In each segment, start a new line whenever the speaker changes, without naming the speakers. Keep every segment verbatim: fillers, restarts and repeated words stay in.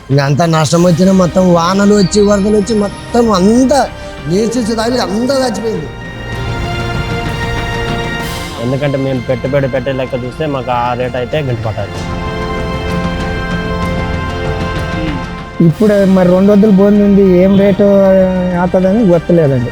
ఇంకా అంతా నష్టం వచ్చినా మొత్తం వానలు వచ్చి వరదలు వచ్చి మొత్తం అంతా నీర్చి తాగి అంతా చచ్చిపోయింది.
ఎందుకంటే మేము పెట్టుబడి పెట్టే లెక్క చూస్తే మాకు ఆ రేట్ అయితే గిట్టుపట్టాలి.
ఇప్పుడు మరి రెండు వందలు బోన్ ఉంది, ఏం రేటు అవుతుందని గుర్తులేదండి.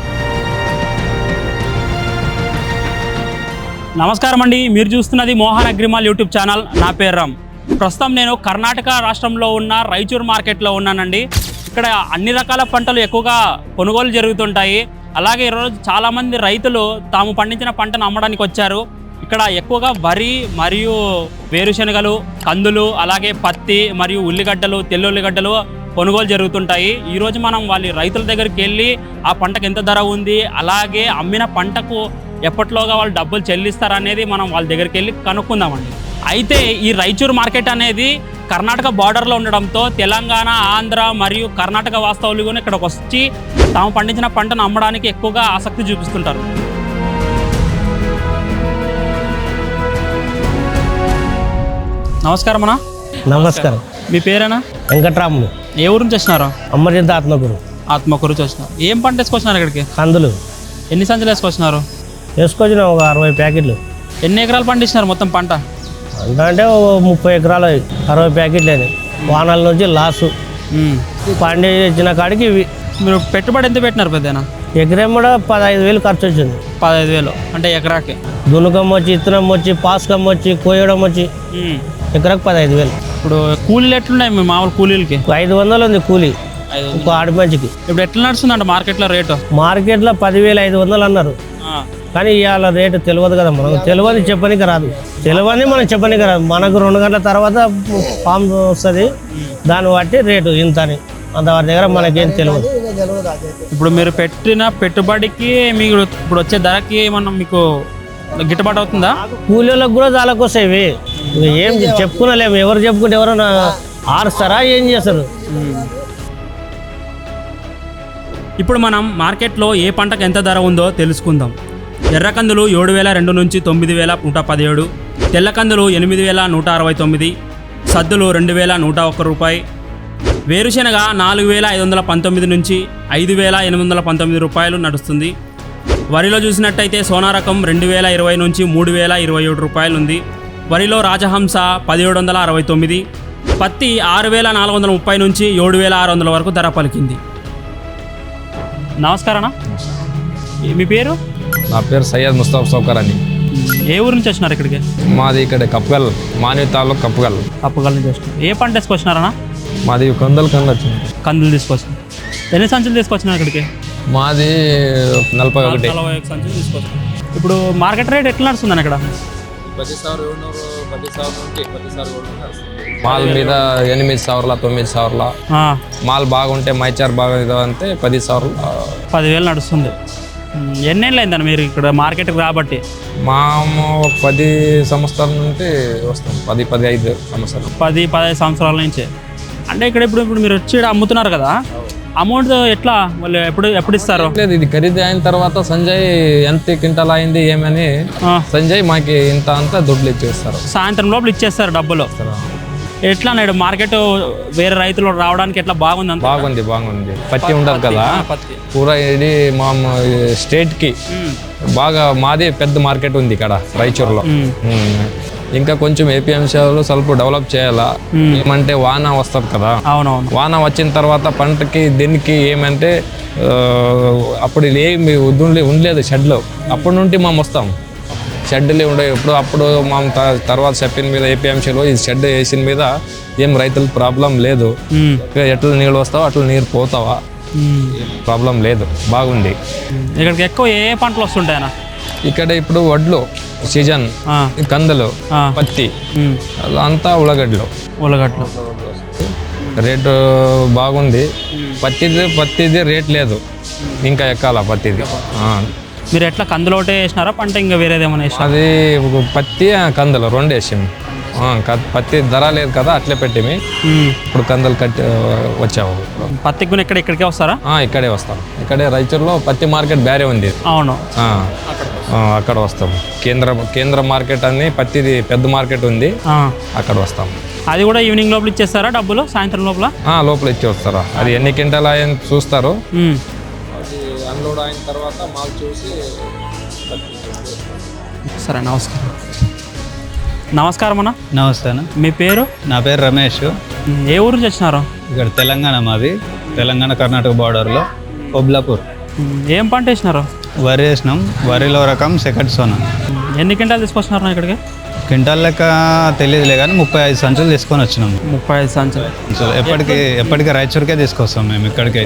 నమస్కారం అండి, మీరు చూస్తున్నది మోహన్ అగ్రిమాల్ యూట్యూబ్ ఛానల్. నా పేరు రామ్. ప్రస్తుతం నేను కర్ణాటక రాష్ట్రంలో ఉన్న రాయచూర్ మార్కెట్లో ఉన్నానండి. ఇక్కడ అన్ని రకాల పంటలు ఎక్కువగా కొనుగోలు జరుగుతుంటాయి. అలాగే ఈరోజు చాలామంది రైతులు తాము పండించిన పంటను అమ్మడానికి వచ్చారు. ఇక్కడ ఎక్కువగా వరి మరియు వేరుశనగలు, కందులు, అలాగే పత్తి మరియు ఉల్లిగడ్డలు, తెల్ల ఉల్లిగడ్డలు కొనుగోలు జరుగుతుంటాయి. ఈరోజు మనం వాళ్ళ రైతుల దగ్గరికి వెళ్ళి ఆ పంటకు ఎంత ధర ఉంది, అలాగే అమ్మిన పంటకు ఎప్పట్లోగా వాళ్ళు డబ్బులు చెల్లిస్తారనేది మనం వాళ్ళ దగ్గరికి వెళ్ళి కనుక్కుందామండి. అయితే ఈ రాయచూర్ మార్కెట్ అనేది కర్ణాటక బార్డర్లో ఉండడంతో తెలంగాణ, ఆంధ్ర మరియు కర్ణాటక వాస్తవులు కూడా ఇక్కడికి వచ్చి తాము పండించిన పంటను అమ్మడానికి ఎక్కువగా ఆసక్తి చూపిస్తుంటారు. నమస్కారం అన్న.
నమస్కారం.
మీ పేరేనా?
వెంకట్రాములు.
ఏ ఊరు నుంచి వచ్చినారు?
అమర్జింత ఆత్మకూరు.
ఆత్మకూరు నుంచి వచ్చినారు. ఏం పంట వేసుకొచ్చినారు ఇక్కడికి?
కందులు.
ఎన్ని సంచులు వేసుకొచ్చినారు?
వేసుకొచ్చిన ఒక అరవై ప్యాకెట్లు.
ఎన్ని ఎకరాలు పండించినారు మొత్తం పంట?
అంత అంటే ముప్పై ఎకరాలు అరవై ప్యాకెట్లు అని వానాల నుంచి లాసు పండించిన కాడికి ఇవి.
మీరు పెట్టుబడి ఎంత పెట్టినారు పెద్దనా?
ఎకరం కూడా పదహైదు వేలు ఖర్చు వచ్చింది.
పదహైదు వేలు అంటే ఎకరాకి?
దునుకం వచ్చి, ఇత్తనం వచ్చి, పాస్కం వచ్చి, కోయడం వచ్చి ఎకరాకు పదహైదు వేలు.
ఇప్పుడు కూలీలు ఎట్లున్నాయి మీ మామూలు కూలీలకి?
ఐదు వందలు ఉంది కూలీ ఒక ఆడి మంచికి.
ఇప్పుడు ఎట్లా నడుస్తుందంట మార్కెట్లో రేటు?
మార్కెట్లో పదివేలు ఐదు వందలు అన్నారు, కానీ ఇవాళ రేటు తెలియదు కదా మనకు. తెలియదు చెప్పనికి రాదు, తెలియని మనం చెప్పనికి రాదు. మనకు రెండు గంటల తర్వాత ఫామ్ వస్తుంది, దాన్ని బట్టి రేటు ఇంత అని. అంతవరకు దగ్గర మనకేం తెలియదు.
ఇప్పుడు మీరు పెట్టిన పెట్టుబడికి మీకు ఇప్పుడు వచ్చే ధరకి ఏమన్నా మీకు గిట్టుబాటు అవుతుందా?
కూలీలకు కూడా చాలా వస్తాయి. ఏం చెప్పుకునలేము, ఎవరు చెప్పుకుంటే ఎవరైనా ఆరుస్తారా, ఏం చేస్తారు?
ఇప్పుడు మనం మార్కెట్లో ఏ పంటకు ఎంత ధర ఉందో తెలుసుకుందాం. ఎర్రకందులు ఏడు వేల రెండు నుంచి తొమ్మిది వేల నూట పదిహేడు, తెల్లకందులు ఎనిమిది వేల నూట అరవై తొమ్మిది, సద్దులు రెండు వేల నూట ఒక్క రూపాయి, వేరుశెనగ నాలుగు వేల ఐదు వందల పంతొమ్మిది నుంచి ఐదు వేల ఎనిమిది వందల పంతొమ్మిది రూపాయలు నడుస్తుంది. వరిలో చూసినట్టయితే సోనా రకం రెండు వేల ఇరవై నుంచి మూడు వేల ఇరవై ఏడు రూపాయలు ఉంది. వరిలో రాజహంస పదిహేడు వందల అరవై తొమ్మిది, పత్తి ఆరు వేల నాలుగు వందల ముప్పై నుంచి ఏడు వేల ఆరు వందల వరకు ధర పలికింది. నమస్కారం. మీ పేరు?
నా పేరు సయ్యద్ ముస్తాఫ్ సౌకర్ అని.
ఏ ఊరు నుంచి వచ్చినారు ఇక్కడికి?
మాది ఇక్కడ కప్పగల్, మానవి తాలూకు కప్పగల్.
కప్పగల్ నుంచి వచ్చినారు. ఏ పంట తీసుకొచ్చినారన్నా?
మాది కందులు కందులు వచ్చింది.
కందులు తీసుకొచ్చినారు. ఎన్ని సంచులు తీసుకొచ్చినారు ఇక్కడికి?
మాది నలభై ఒకటి
నలభై ఒక సంచులు తీసుకొచ్చినారు. ఇప్పుడు మార్కెట్ రేట్ ఎట్లా నడుస్తుందని ఇక్కడ?
మాల్ మీద ఎనిమిది సవర్ల తొమ్మిది సవర్ల మాల్ బాగుంటే మైచార్ బాగా అంటే పది సవర్ల
పదివేలు నడుస్తుంది. ఎన్నేళ్ళు అయిందని మీరు ఇక్కడ మార్కెట్కి రాబట్టి?
మా ఒక పది సంవత్సరాల నుండి వస్తాం. పది పది ఐదు సంవత్సరాలు
పది పదహైదు సంవత్సరాల నుంచి. అంటే ఇక్కడ ఇప్పుడు ఇప్పుడు మీరు వచ్చి అమ్ముతున్నారు కదా, అమౌంట్ ఎట్లా వాళ్ళు ఎప్పుడు ఎప్పుడు ఇస్తారు?
లేదు, ఇది ఖరీదు అయిన తర్వాత సంజయ్ ఎంత క్వింటల్ అయింది ఏమని సంజయ్ మాకి ఇంత అంతా దుడ్లు ఇచ్చేస్తారు.
సాయంత్రం లోపల ఇచ్చేస్తారు డబ్బులు. ఎట్లా నేడు మార్కెట్ వేరే రైతులు రావడానికి ఎట్లా బాగుంది?
బాగుంది బాగుంది పత్తి ఉండదు కదా, పూరా ఇది మా స్టేట్ కి బాగా. మాది పెద్ద మార్కెట్ ఉంది ఇక్కడ రాయచూర్లో. ఇంకా కొంచెం ఏపీఎంసీలో స్వల్ప డెవలప్ చేయాలా. ఏమంటే వాన వస్తుంది కదా,
అవునవును.
వాన వచ్చిన తర్వాత పంటకి దీనికి ఏమంటే అప్పుడు ఏమి ఉండలేదు షెడ్లో. అప్పటి నుండి మేము వస్తాం, షెడ్లే ఉండే. ఇప్పుడు అప్పుడు మా తర్వాత చెప్పిన మీద ఏపీఎంసీలో ఈ షెడ్ వేసిన మీద ఏం రైతులకు ప్రాబ్లం లేదు. ఎట్లా నీళ్ళు వస్తావో అట్లా నీరు పోతావా, ప్రాబ్లం లేదు, బాగుంది.
ఇక్కడికి ఎక్కువ ఏ పంటలు వస్తుంటాయన్నా?
ఇక్కడ ఇప్పుడు వడ్లు సీజన్, కందులు, పత్తి, అంతా ఉల్లగడ్డలు.
ఉల్లగడ్డలు
రేటు బాగుంది. పత్తిది పత్తిది రేట్ లేదు, ఇంకా ఎక్కాల పత్తిది.
మీరు ఎట్లా కందులు ఒకటే వేసినారా పంట ఇంకా వేరేదేమన్నా వేసినా?
అది పత్తి కందులు రెండు వేసాము. పత్తి ధర లేదు కదా, అట్లే పెట్టిమి. ఇప్పుడు కందులు కట్టి వచ్చాము.
పత్తి కూడా ఇక్కడ ఇక్కడికే వస్తారా?
ఇక్కడే వస్తాం. ఇక్కడే రాయచూర్లో పత్తి మార్కెట్ వేరే ఉంది.
అవును,
అక్కడ వస్తాం. కేంద్ర కేంద్ర మార్కెట్ అని పత్తిది పెద్ద మార్కెట్ ఉంది, అక్కడ వస్తాం.
అది కూడా ఈవినింగ్ లోపల ఇచ్చేస్తారా డబ్బులు సాయంత్రం లోపల?
ఆ, లోపల ఇచ్చి వస్తారా, అది ఎన్ని క్వింటాలు అయ్యని చూస్తారు,
ఉమ్.
అది అన్లోడ్ అయిన తర్వాత మాకు చూసి.
సరే నమస్కారం. నమస్కారం అన్న.
నమస్తే అన్న.
మీ పేరు?
నా పేరు రమేష్.
ఉమ్, ఏ ఊరు నుంచి వచ్చినారు?
ఇక్కడ తెలంగాణ మాది, తెలంగాణ కర్ణాటక బార్డర్లో ఒబ్లాపూర్.
ఉమ్, ఏం పంట వేసినారు?
వరి వేసినాం. వరిలో రకం సెకండ్ సోనా.
ఉమ్, ఎన్ని క్వింటాలు తీసుకొచ్చినారు ఇక్కడికి?
క్వింటాల్ లెక్క తెలియదులే కానీ ముప్పై ఐదు సంచులు తీసుకొని వచ్చినాం.
ముప్పై ఐదు సంచులు.
సంచులు ఎప్పటికీ ఎప్పటికీ రాయచూరుకే తీసుకొస్తాం మేము ఇక్కడికి.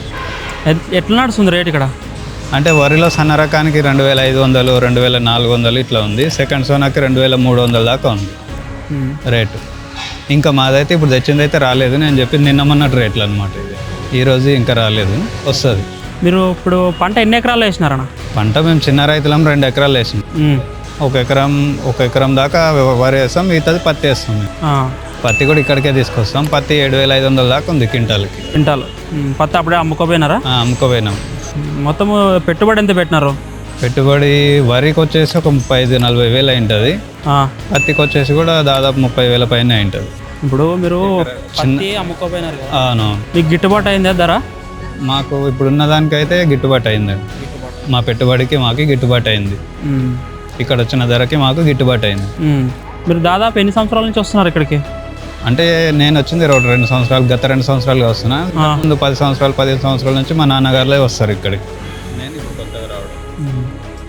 ఎట్- ఎట్లా నడుస్తుంది రేట్ ఇక్కడ?
అంటే వరిలో సన్న రకానికి రెండు వేల ఐదు వందలు రెండు వేల నాలుగు వందలు ఇట్లా ఉంది. సెకండ్ సోనాకి రెండు వేల మూడు వందల దాకా ఉంది
ఉమ్.
రేటు. ఇంకా మాదైతే ఇప్పుడు తెచ్చింది అయితే రాలేదు, నేను చెప్పింది నిన్న మొన్నటి రేట్లు అనమాట. ఇది ఈరోజు ఇంకా రాలేదు, వస్తుంది.
మీరు ఇప్పుడు పంట ఎన్ని ఎకరాలు వేసినారన్న?
పంట మేము చిన్న రైతులం, రెండు ఎకరాలు వేసాం.
ఉమ్.
ఒక ఎకరం ఒక ఎకరం దాకా వరి వేస్తాం, మిగతాది పత్తి వేస్తాం మేము.
ఆ,
పత్తి కూడా ఇక్కడికే తీసుకొస్తాం. పత్తి ఏడు వేల ఐదు వందల దాకా ఉంది క్వింటాల్కి.
క్వింటాలు. ఉమ్, పత్తి అప్పుడే అమ్ముకోపోయినారా?
ఆ, అమ్ముకోపోయినాం.
ఉమ్, మొత్తము పెట్టుబడి ఎంత పెట్టినారు?
పెట్టుబడి వరికి వచ్చేసి ఒక ముప్పై ఐదు నలభై వేలు అయింటుంది.
ఆ,
పత్తికి వచ్చేసి కూడా దాదాపు ముప్పై వేల పైన అయింటుంది.
ఇప్పుడు మీరు పత్తి అమ్ముకోపోయినారు కదా,
అవును,
మీకు గిట్టుబాటు అయిందా ధర?
మాకు ఇప్పుడున్న దానికైతే గిట్టుబాటు అయింది. మా పెట్టుబడికి మాకు గిట్టుబాటు అయింది.
ఉమ్.
ఇక్కడ వచ్చిన ధరకి మాకు గిట్టుబాటు అయింది.
ఉమ్. మీరు దాదాపు ఎన్ని సంవత్సరాల నుంచి వస్తున్నారు ఇక్కడికి?
అంటే నేను వచ్చింది రెండు రెండు సంవత్సరాలు గత రెండు సంవత్సరాలుగా వస్తున్నా.
ఆ.
ముందు పది సంవత్సరాలు పదిహేను సంవత్సరాల నుంచి మా నాన్నగారులే వస్తారు ఇక్కడికి. నేను ఇప్పుడు కొత్తగా రావడం.
ఉమ్.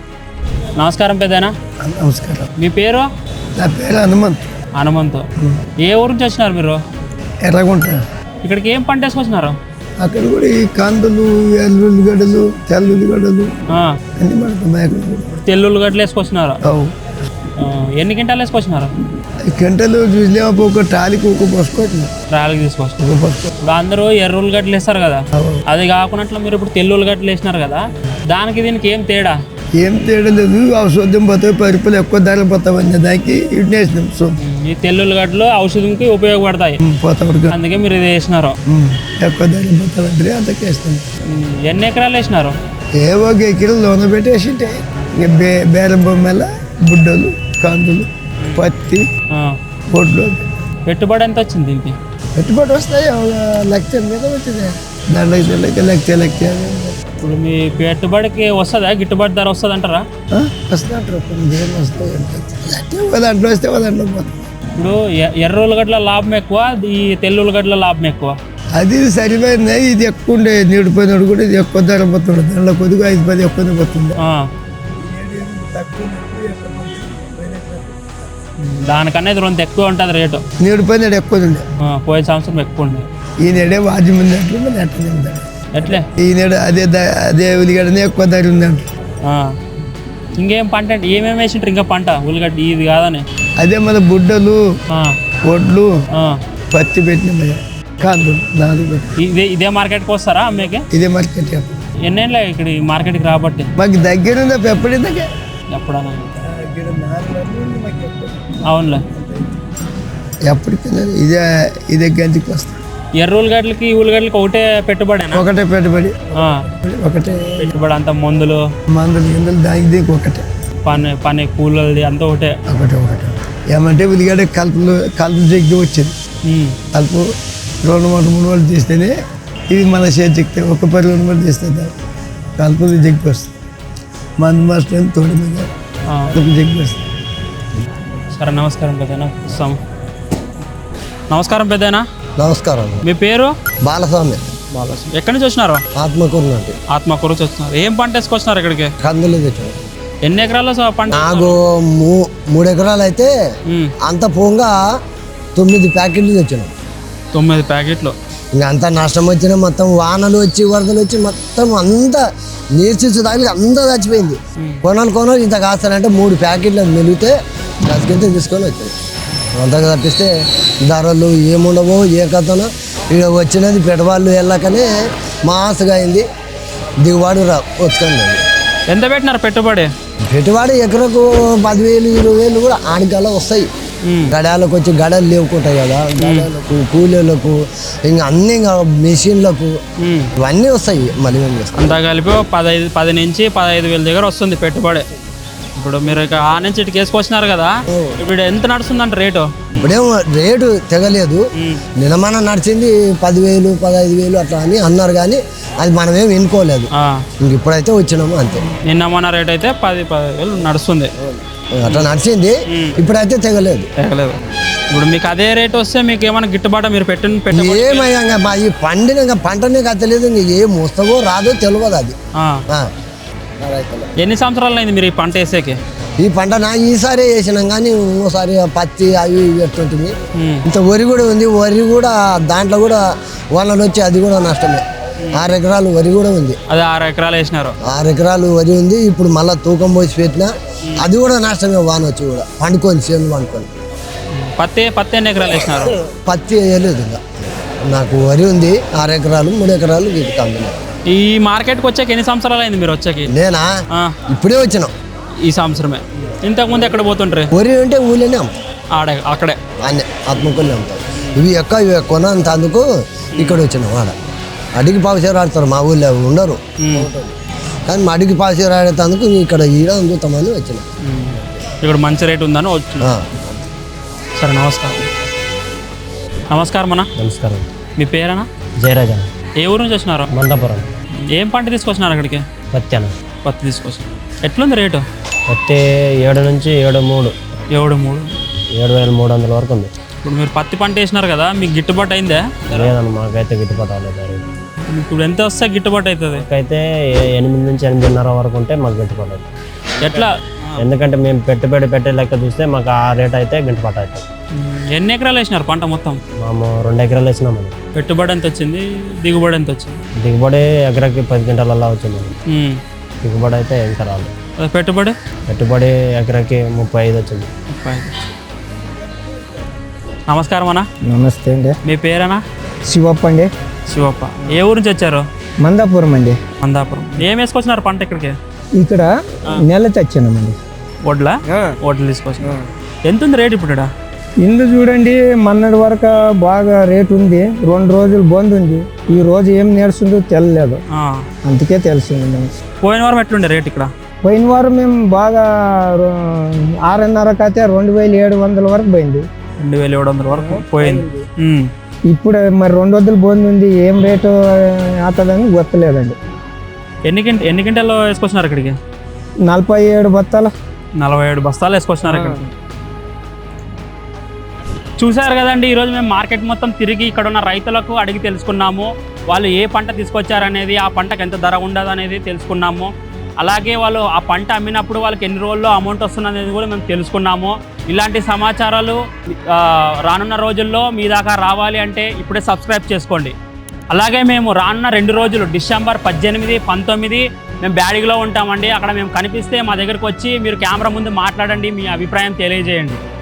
నమస్కారం పెద్దనా.
నమస్కారం.
మీ పేరు?
నా పేరు హనుమంత్.
హనుమంత్. ఏ ఊరు నుంచి వచ్చినారు మీరు?
ఎర్రగుంట.
ఇక్కడికి ఏం పంట వేసుకొచ్చినారు?
అక్కడ కూడా ఈ కందులు, ఎల్లుల్లిగడ్డలు, తెల్లుల్లిగడ్డలు
ఆ,
అన్ని పడుతున్నాయి అక్కడ కూడా.
తెల్లుల్లి గడ్డలు వేసుకొచ్చినారు.
అవు
ఆ, ఎన్ని క్వింటాలు వేసుకొచ్చినారు?
ఈ గంటలు చూసిలేమో ఒక టాలీకి ఒక పసుకోవట్లేదు.
రాయలకి తీసుకొచ్చారు.
ఒక పసుకో
ఇప్పుడు అందరూ ఎర్ర ఉల్లిగడ్డలు వేస్తారు కదా, అది కాకుండా మీరు ఇప్పుడు తెల్లు ఉల్లిగడ్డలు వేసినారు కదా, దానికి దీనికి ఏం తేడా?
ఏం తేడా లేదు. ఔషధం పోతాయి, పరిపులు ఎక్కువ ధరలు పోతామని దానికి ఇటు వేసినాం. సో
ఈ తెల్లు ఉల్లిగడ్డలు ఔషధంకి ఉపయోగపడతాయి,
పోతా
అందుకే మీరు ఇది వేసినారు.
ఎక్కువ ధరలు పోతామంటే అంతకు వేస్తాం.
ఉమ్, ఎన్ని ఎకరాలు వేసినారు?
ఏ ఒక ఎకరం లోన పెట్టేసి ఉంటే ఇక బే బేరం బొమ్మల బుడ్డలు, కందులు, పత్తి,
ఆ,
పొడ్లు
పెట్టుబడి ఎంత వచ్చింది దీనికి?
పెట్టుబడి వస్తాయి. ఒక లక్ష మీద వచ్చింది. దాంట్లో లెక్క లక్ష లక్ష
ఇప్పుడు మీ పెట్టుబడికి వస్తుందా, గిట్టుబాటు ధర వస్తుంది అంటారా?
వస్తాయంటారు. కొన్ని వస్తాయి అంటే ఒక దాంట్లో వస్తే ఒక దాంట్లో పోతాయి.
ఇప్పుడు ఎ- ఎర్ర ఉల్లిగడ్డల లాభం ఎక్కువ, ఈ తెల్లు ఉల్లిగడ్డల లాభం ఎక్కువ?
అది సరిపోయింది. ఇది ఎక్కువ ఉండే నీడిపోయినాడు కూడా ఇది ఎక్కువ ధర పోతుంది. దాంట్లో కొద్దిగా ఐదు పది ఎక్కువనే పోతుంది.
ఆ. దానికన్నా ఇది రెండు ఎక్కువ ఉంటుంది రేటు.
నీడిపోయినాడు ఎక్కువ ఉండే.
ఆ, పోయిన సంవత్సరం ఎక్కువ ఉంది.
ఈ నెడే వాద్యం ఉంది అట్లా మరి అట్లనే ఉంది.
ఎట్లే?
ఈ నెడ అదే ద- అదే ఉల్లిగడ్డనే ఎక్కువ ధర ఉంది అంట.
ఆ. ఇంకేం పంట అంటే ఏమేమి వేసింటారు ఇంకా పంట? ఉల్లిగడ్డ ఇది కాదని.
అదే మన బుడ్డలు,
ఆ,
ఒడ్లు,
ఆ.
పత్తి పెట్టిన కాందులు నాలుగు పెట్టి
ఇదే ఇదే మార్కెట్కి వస్తారా అమ్మేకి?
ఇదే మార్కెట్ చెప్పు.
ఎన్నేళ్ళ ఇక్కడ ఈ మార్కెట్కి రాబట్టి?
మాకు దగ్గర ఉందా ఎప్పుడు దగ్గర
ఎప్పుడన్నా? అవునులే.
ఎప్పటికి ఇదే ఇదే గంజికి వస్తుంది.
ఎర్ర ఉల్లిగడ్డలకి ఈ ఉల్లిగడ్డలకి ఒకటే పెట్టుబడేనా?
ఒకటే పెట్టుబడి,
ఆ,
ఒకటే
పెట్టుబడి అంతా మందులు,
మందులు గిందులు దానికి దీనికి ఒకటే
పని పని కూలది అంతా ఒకటే.
ఒకటే ఒకటే ఏమంటే ఉల్లిగడ్డ కలుపులు కలుపు జగ్గి వచ్చింది.
ఉమ్.
కలుపు రెండు మూడు మూడు వాళ్ళు తీస్తేనే ఇది మన చేతి చెక్తే ఒక పది రెండు మూడు తీస్తే కలుపులు జగ్గి వస్తుంది. మందు మాస్టర్ తోడి మీద
ఆ.
కలుపు జగ్గి వస్తుంది.
సరే నమస్కారం పెద్దనా. వస్తాం. నమస్కారం పెద్దనా.
నమస్కారం.
మీ పేరు?
బాలస్వామి.
బాలస్వామి. ఎక్కడి నుంచి వచ్చినారు?
ఆత్మకూరు నుండి.
ఆత్మకూరు నుంచి వచ్చినారు. ఏం పంట వేసుకొచ్చినారు ఇక్కడికి?
కందులు తెచ్చాను.
ఎన్ని ఎకరాల్లో స- పంట?
నాకు మూ మూడు ఎకరాలు అయితే
ఉమ్.
అంత పోగా తొమ్మిది ప్యాకెట్లు తెచ్చాను.
తొమ్మిది ప్యాకెట్లు.
ఇంకా అంతా నష్టం వచ్చిన మొత్తం వానలు వచ్చి వరదలు వచ్చి మొత్తం అంతా నీర్చిచ్చు తగిలి అంతా చచ్చిపోయింది. కొనాలి కొనాలి ఇంత కాస్తానంటే మూడు ప్యాకెట్లు మెలిగితే గదికింత తీసుకొని వచ్చాను. అంతగా తప్పిస్తే ధరలు ఏముండవో ఏ కథనో ఇక్కడ వచ్చినది పెట్టుబడులు వెళ్ళకనే మాసగా అయింది. దిగుబడి రా వచ్చుకుంది.
ఎంత పెట్టినారు పెట్టుబడి?
పెట్టుబడి ఎకరకు పదివేలు ఇరవై వేలు కూడా ఆడికల్లా వస్తాయి.
ఉమ్.
గడాలకు వచ్చి గడలు లేవుకుంటాయి కదా, గడాలకు కూలీలకు ఇంకా అన్ని ఇంకా మెషిన్లకు
ఉమ్.
ఇవన్నీ వస్తాయి. మళ్ళీ ఏం చేస్తాం
అంతా కలిపి పదహైదు పది నుంచి పదహైదు వేల దగ్గర వస్తుంది పెట్టుబడి. ఇప్పుడు మీరు ఇక ఆ నుంచి ఇటుకి వేసుకొచ్చినారు కదా, ఇప్పుడు ఎంత నడుస్తుందంట రేటు?
ఇప్పుడేమో రేటు తెగలేదు. నిలమన నడిచింది పదివేలు పదహైదు వేలు అట్లా అని అన్నారు, కానీ అది మనమేం వినుకోలేదు. ఇంక ఇప్పుడైతే వచ్చినాము అంతే.
నిన్న మన రేట్ అయితే పది పదివేలు నడుస్తుంది,
అట్లా నడిచింది. ఇప్పుడైతే తెగలేదు.
తెగలేదు. ఇప్పుడు మీకు అదే రేట్ వస్తే మీకు ఏమైనా గిట్టుబాటు మీరు పెట్టిన పెట్ట
ఏమయ్యా మా ఈ పండిన ఇంకా పంటనే కత్తలేదు. ఇంక ఏం వస్తావో రాదో తెలియదు అది.
ఎన్ని సంవత్సరాలు అయింది మీరు ఈ పంట వేసేకి?
ఈ పంట నా ఈసారి వేసినాం, కానీ ఇంకోసారి పత్తి అవి ఇవి ఎట్టుంటుంది. ఇంత వరి కూడా ఉంది. వరి కూడా దాంట్లో కూడా వాళ్ళని వచ్చి అది కూడా నష్టమే. ఆరు ఎకరాలు వరి కూడా ఉంది.
అదే ఆరు ఎకరాలు వేసినారు.
ఆరు ఎకరాలు వరి ఉంది. ఇప్పుడు మళ్ళీ తూకం పోసి పెట్టినా అది కూడా నష్టమే. వాన వచ్చి కూడా పండుకొని చేను పండుకొని.
పత్తి పత్తి ఎన్ని ఎకరాలు వేసినారు?
పత్తి వేయలేదు ఇంకా. నాకు వరి ఉంది ఆరు ఎకరాలు, మూడు ఎకరాలు ఇది కంపెనీ.
ఈ మార్కెట్కి వచ్చాక ఎన్ని సంవత్సరాలు అయింది మీరు వచ్చాకి?
నేనా ఇప్పుడే వచ్చినాం.
ఈ సంవత్సరమే. ఇంతకుముందు ఎక్కడ పోతుంటారు?
వరి అంటే ఊళ్ళోనే అమ్ముతాం.
ఆడే అక్కడే
అన్నీ ఆత్మకొల్లి అమ్ముతాం. ఇవి ఎక్కువ ఇవి కొన అంత అందుకు ఇక్కడ వచ్చినాం. ఆడ అడిగి పావుసేరు ఆడతారు, మా ఊళ్ళో ఉండరు. కానీ మా అడిగి పావుసేరు ఆడేందుకు ఇక్కడ ఈడ అందుతామని వచ్చినాం.
ఇక్కడ మంచి రేట్ ఉందని వచ్చిన. సరే, నమస్కారం. నమస్కారం అన్న.
నమస్కారం.
మీ పేరేనా?
జయరాజా.
ఏ ఊరు నుంచి వచ్చినారు?
మందాపురం.
ఏం పంట తీసుకొచ్చినారు అక్కడికి?
పత్తి అన్న.
పత్తి తీసుకొచ్చినారు. ఎట్లుంది రేటు?
పత్తి ఏడు నుంచి ఏడు మూడు
ఏడు మూడు
ఏడు వేల మూడు వందల వరకు ఉంది.
ఇప్పుడు మీరు పత్తి పంట వేసినారు కదా, మీకు గిట్టుబాటు అయిందా?
లేదన్న, మాకైతే గిట్టుబాటు అవ్వలేదు.
ఇప్పుడు ఎంత వస్తే గిట్టుబాటు అవుతుంది?
అయితే ఎనిమిది నుంచి ఎనిమిదిన్నర వరకు ఉంటే మాకు గిట్టుబాటు అవుతుంది.
ఎట్లా?
ఎందుకంటే మేము పెట్టుబడి పెట్టే లెక్క చూస్తే మాకు ఆ రేట్ అయితే గిట్టుబాటు అవుతుంది.
ఎన్ని ఎకరాలు వేసినారు పంట మొత్తం?
మేము రెండు ఎకరాలు వేసినామని.
పెట్టుబడి ఎంత వచ్చింది, దిగుబడి ఎంత వచ్చింది?
దిగుబడి ఎకరాకి పది క్వింటాలల్లా వచ్చింది. దిగుబడి అయితే ఇంకా రాలేదు.
పెట్టుబడి
పెట్టుబడి ఎకరాకి ముప్పై ఐదు వచ్చింది.
ముప్పై ఐదు. నమస్కారం అన్న.
నమస్తే అండి.
మీ పేరేనా?
శివప్ప అండి.
శివప్ప. ఏ ఊరు నుంచి వచ్చారు?
మందాపురం అండి.
మందాపురం. ఏం వేసుకొచ్చినారు పంట ఇక్కడికి?
ఇక్కడ నెల తెచ్చామండి.
వడ్ల వడ్లు తీసుకొచ్చినారు. ఎంత ఉంది రేట్ ఇప్పుడు?
ఇందు చూడండి, మొన్నటి వరకు బాగా రేట్ ఉంది. రెండు రోజులు బంద్ ఉంది. ఈ రోజు ఏం నేర్చుందో తెలియలేదు, అందుకే తెలిసింది.
పోయిన వారం ఎట్లుండే రేట్ ఇక్కడ?
పోయిన వారం మేము బాగా ఆరున్నరకు అయితే రెండు వేల ఏడు వందల వరకు పోయింది.
రెండు వేల ఏడు వందల వరకు పోయింది.
ఇప్పుడు మరి రెండు వందలు బంద్ ఉంది. ఏం రేటు అవుతుందని గుర్తలేదండి.
ఎన్ని కింట ఎన్ని కింటాల్లో వేసుకొచ్చినారు ఇక్కడికి?
నలభై ఏడు బత్తాలు
నలభై ఏడు బస్తాలు వేసుకొచ్చినారు ఇక్కడికి. చూసారు కదండి, ఈరోజు మేము మార్కెట్ మొత్తం తిరిగి ఇక్కడ ఉన్న రైతులకు అడిగి తెలుసుకున్నాము. వాళ్ళు ఏ పంట తీసుకొచ్చారనేది, ఆ పంటకు ఎంత ధర ఉండదు అనేది తెలుసుకున్నాము. అలాగే వాళ్ళు ఆ పంట అమ్మినప్పుడు వాళ్ళకి ఎన్ని రోజుల్లో అమౌంట్ వస్తున్నది కూడా మేము తెలుసుకున్నాము. ఇలాంటి సమాచారాలు రానున్న రోజుల్లో మీ దాకా రావాలి అంటే ఇప్పుడే సబ్స్క్రైబ్ చేసుకోండి. అలాగే మేము రానున్న రెండు రోజులు డిసెంబర్ పద్దెనిమిది పంతొమ్మిది మేము బ్యాడిగిలో ఉంటామండి. అక్కడ మేము కనిపిస్తే మా దగ్గరకు వచ్చి మీరు కెమెరా ముందు మాట్లాడండి, మీ అభిప్రాయం తెలియజేయండి.